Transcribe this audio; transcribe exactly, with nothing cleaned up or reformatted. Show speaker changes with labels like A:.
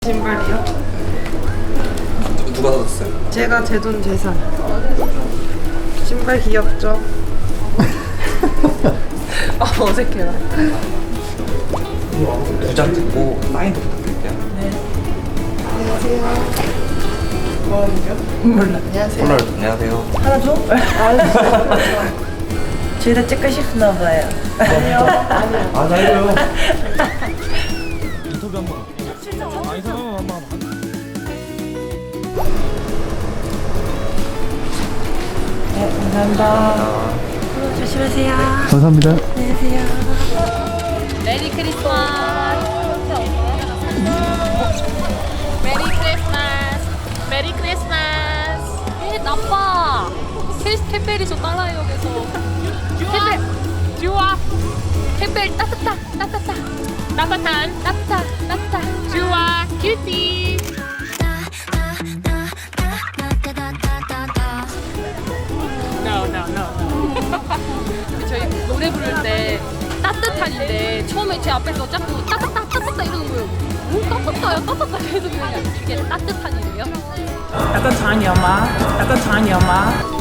A: 신발이요?
B: 누, 누가 사줬어요?
A: 제가 제 돈 재산. 신발 귀엽죠? 아 어색해라.
B: 두 장 듣고 사인도 부탁드릴게요.
A: 안녕하세요. 뭐 하는 겨? 몰라. 안녕하세요.
B: 폴라로이드 안녕하세요.
C: 하나 줘? 둘 다 찍고 싶나 봐요.
A: 아니요. 아니요.
B: 아, 나 이거요.
D: 인터뷰 한 번. 아, 인터뷰 한 번, 한 번.
C: 네, 감사합니다. 조심하세요.
D: 감사합니다.
C: 안녕하세요.
E: 메리 크리스마스. 메리 크리스마스. 메리 크리스마스. 에 나빠. 케이스 택배리서 딸라역에서. 택배. 좋아. 택배 따뜻하. 따뜻하. 따뜻한. 따뜻하. 따뜻하. 좋아. 큐티. No, no, no. 저희 노래 부를 때 따뜻한인데 처음에 제 앞에서 자꾸 따뜻따 따뜻따 이러는 거예요. 오 따뜻따요 따뜻따 계속 그냥 이게 따뜻한이래요.
C: 약간 잔이야마. 약간 잔이야마.